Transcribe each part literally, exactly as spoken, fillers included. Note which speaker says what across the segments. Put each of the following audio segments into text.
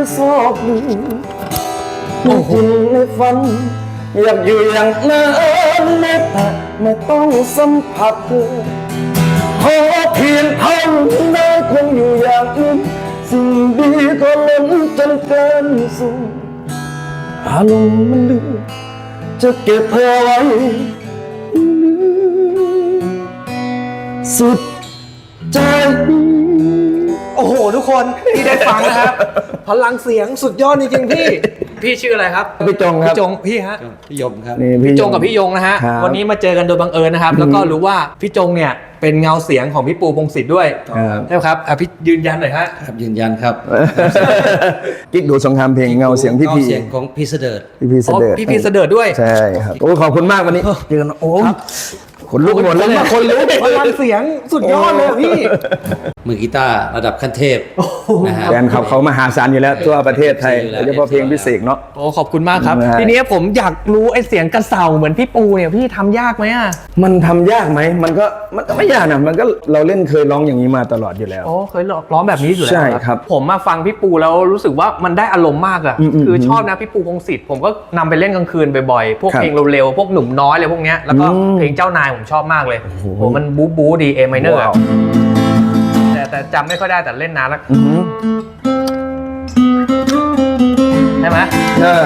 Speaker 1: ซอกหนึ่งไม่จริงในฝันอยากอยู่อย่างนั้นแม้แต่ไม่ต้องสัมผัสเธอขอเพียงเท่านั้นคงอยู่อย่างอื่นสิ่งดีก็ล้นจนเกินสู่อารมณ์มันลืมจะเก็บเธอไว้สุดใจ
Speaker 2: โอ้โหทุกคนที่ได้ฟังนะครับ พลังเสียงสุดยอดจริงๆพี่ พี่ชื่ออะไรครับ
Speaker 1: พี่จงครับ
Speaker 2: พี่จงพี่ฮะ
Speaker 3: พี่ยมครับ
Speaker 1: นี่
Speaker 2: พี่จงกับพี่ยงนะฮะ
Speaker 1: ครับ
Speaker 2: วันนี้มาเจอกันโดยบังเอิญนะครับ แล้วก็รู้ว่าพี่จงเนี่ยเป็นเงาเสียงของพี่ปูพงศิษฐ์ด้วย
Speaker 1: ครับ
Speaker 2: ใช่ไหมครับอ่ะพี่ยืนยันหน่อยฮะ
Speaker 3: ครับยืนยันครับ
Speaker 1: กิ๊กดูสงครามเพลงเงาเสียงพี่พี
Speaker 3: เสียงของพี่เสดิร์ด
Speaker 1: พี่พีเส
Speaker 2: อ๋อ
Speaker 1: ด็จ
Speaker 2: พี่พีเสดิร์ดด้วย
Speaker 1: ใช่ครับโอ้ขอบคุณมากวันนี้เจอกันโอ้ขนลุกหมดแล้วเนี่ย
Speaker 2: คนรู้พลังเสียงสุดยอดเลยอะพี่
Speaker 3: มือกีตาร์ระดับขั้นเทพนะฮะ
Speaker 1: แฟนคลับเขามหาศาลอยู่แล้วทั่วประเทศไทย
Speaker 3: อยู่แล้ว
Speaker 1: โดยเฉพาะเพลงพิเศษเนาะ
Speaker 2: โอ้ขอบคุณมากครับ
Speaker 1: ได้
Speaker 2: ทีนี้ผมอยากรู้ไอ้เสียงกระเสาเหมือนพี่ปูเนี่ยพี่ทำยากไหมอ่ะ
Speaker 1: มันทำยากไหมมันก็มันก็ไม่ยากนะมันก็เราเล่นเคยร้องอย่างนี้มาตลอดอยู่แล้ว
Speaker 2: โอ้เคยร้องแบบนี้อยู่แล้ว
Speaker 1: ใช่ครับ
Speaker 2: ผมมาฟังพี่ปูแล้วรู้สึกว่ามันได้อารมณ์มากอะ
Speaker 1: อืมอืม
Speaker 2: คือชอบนะพี่ปูพงศิษฐ์ผมก็นำไปเล่นกลางคืนบ่อยๆพวก
Speaker 1: ครับ
Speaker 2: เพลงเร็วๆพวกหนุ่มน้อยอะไรพวกเนี้ยแล้วก็
Speaker 1: อืม
Speaker 2: เพลงเจ้านายผมชอบมากเลย
Speaker 1: โอ้โห
Speaker 2: โหมันบู๊บู๊ดีเอไมเนอร์
Speaker 1: ว้าว
Speaker 2: แต่แต่จำไม่ค่อยได้แต่เล่นนานแล้ว
Speaker 1: อือหือ
Speaker 2: ใช่ไหม
Speaker 1: เออ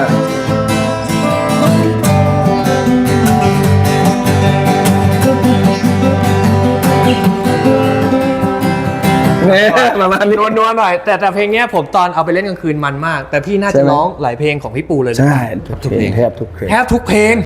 Speaker 1: เนี่ยประมาณนี้
Speaker 2: นัวๆหน่อยแต่แต่เพลงเนี้ยผมตอนเอาไปเล่นกลางคืนมันมาก แต่พี่น่า
Speaker 1: ใช่
Speaker 2: จะ
Speaker 1: ไหม
Speaker 2: ร้องหลายเพลงของพี่ปูเลย
Speaker 1: ใช่ทุกเพลงแทบทุกเพลง
Speaker 2: แทบทุกเพลง